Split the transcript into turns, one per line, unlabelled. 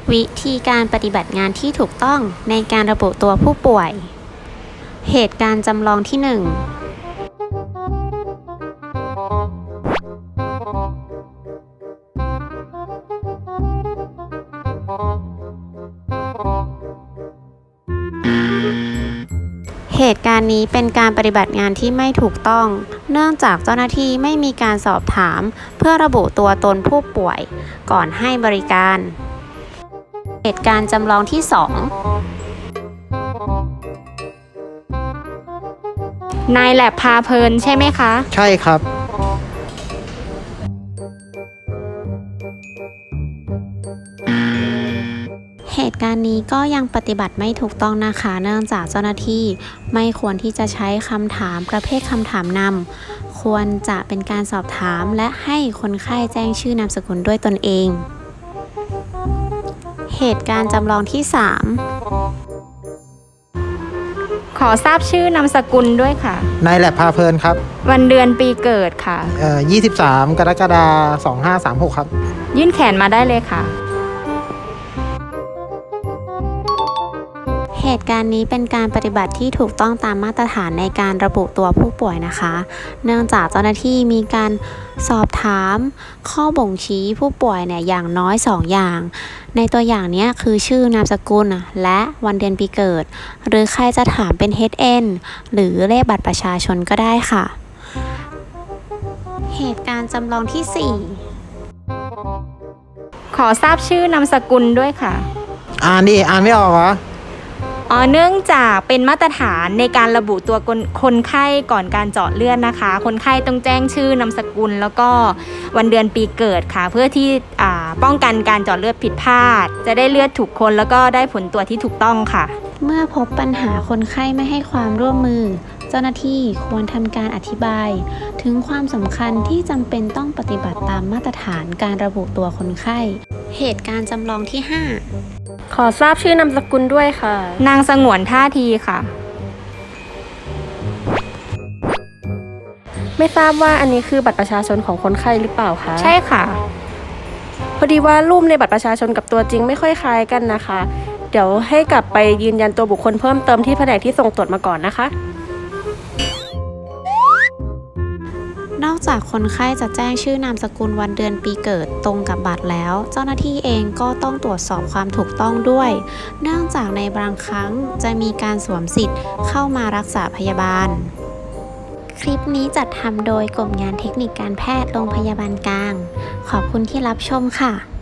วิธีการปฏิบัติงานที่ถูกต้องในการระบุตัวผู้ป่วย เหตุการณ์จำลองที่ 1 เหตุการณ์นี้เป็นการปฏิบัติงานที่ไม่ถูกต้อง เนื่องจากเจ้าหน้าที่ไม่มีการสอบถามเพื่อระบุตัวตนผู้ป่วยก่อนให้บริการ เหตุการณ์จำลองที่ 2
นายแลบพาเพลินใช่ไหมคะ
ใช่ครับ
เหตุการณ์นี้ก็ยังปฏิบัติไม่ถูกต้องนะคะ เนื่องจากเจ้าหน้าที่ไม่ควรที่จะใช้คำถามประเภทคำถามนำควรจะเป็นการสอบถามและให้คนไข้แจ้งชื่อนามสกุลด้วยตนเอง เหตุการณ์จำลองที่ 3
ขอทราบชื่อนามสกุลด้วยค่ะ
นายแลบพาเพลินครับ
วันเดือนปีเกิดค่ะ
23 กรกฎาคม 2536 ครับ
ยื่นแขนมาได้เลยค่ะ
เหตุการณ์นี้เป็นการปฏิบัติที่ถูกต้องตามมาตรฐานในการระบุตัวผู้ป่วยนะคะ เนื่องจากเจ้าหน้าที่มีการสอบถามข้อบ่งชี้ผู้ป่วยเนี่ยอย่างน้อย 2 อย่าง ในตัวอย่างนี้คือชื่อนามสกุลและวันเดือนปีเกิด หรือใครจะถามเป็น HN หรือเลขบัตรประชาชนก็ได้ค่ะ เหตุการณ์จำลองที่
ขอทราบชื่อนามสกุลด้วยค่ะ
อ่านไม่ออกเหรอ
เนื่องจากเป็นมาตรฐานในการระบุตัวคนไข้ก่อนการเจาะเลือดนะคะ คนไข้ต้องแจ้งชื่อนามสกุลแล้วก็วันเดือนปีเกิดค่ะ เพื่อที่ป้องกันการเจาะเลือดผิดพลาด จะได้เลือดถูกคนแล้วก็ได้ผลตรวจที่ถูกต้องค่ะ
เมื่อพบปัญหาคนไข้ไม่ให้ความร่วมมือ เจ้าหน้าที่ควรทำการอธิบาย ถึงความสำคัญที่จำเป็นต้องปฏิบัติตามมาตรฐานการระบุตัวคนไข้ เหตุการณ์จำลองที่ 5
ขอทราบชื่อนามสกุลด้วยค่ะ
นางสงวนท่าทีค่ะ
ไม่ทราบว่าอันนี้คือบัตรประชาชนของคนไข้หรือเปล่าคะ
ใช่ค่ะ
พอดีว่ารูปในบัตรประชาชนกับตัวจริงไม่ค่อยคล้ายกันนะคะ เดี๋ยวให้กลับไปยืนยันตัวบุคคลเพิ่มเติมที่แผนกที่ส่งตรวจมาก่อนนะคะ
นอกจากคนไข้จะแจ้งชื่อนามสกุลวันเดือนปีเกิดตรงกับบัตรแล้ว เจ้าหน้าที่เองก็ต้องตรวจสอบความถูกต้องด้วย เนื่องจากในบางครั้งจะมีการสวมสิทธิ์เข้ามารักษาพยาบาล คลิปนี้จัดทำโดยกลุ่มงานเทคนิคการแพทย์โรงพยาบาลกลาง ขอบคุณที่รับชมค่ะ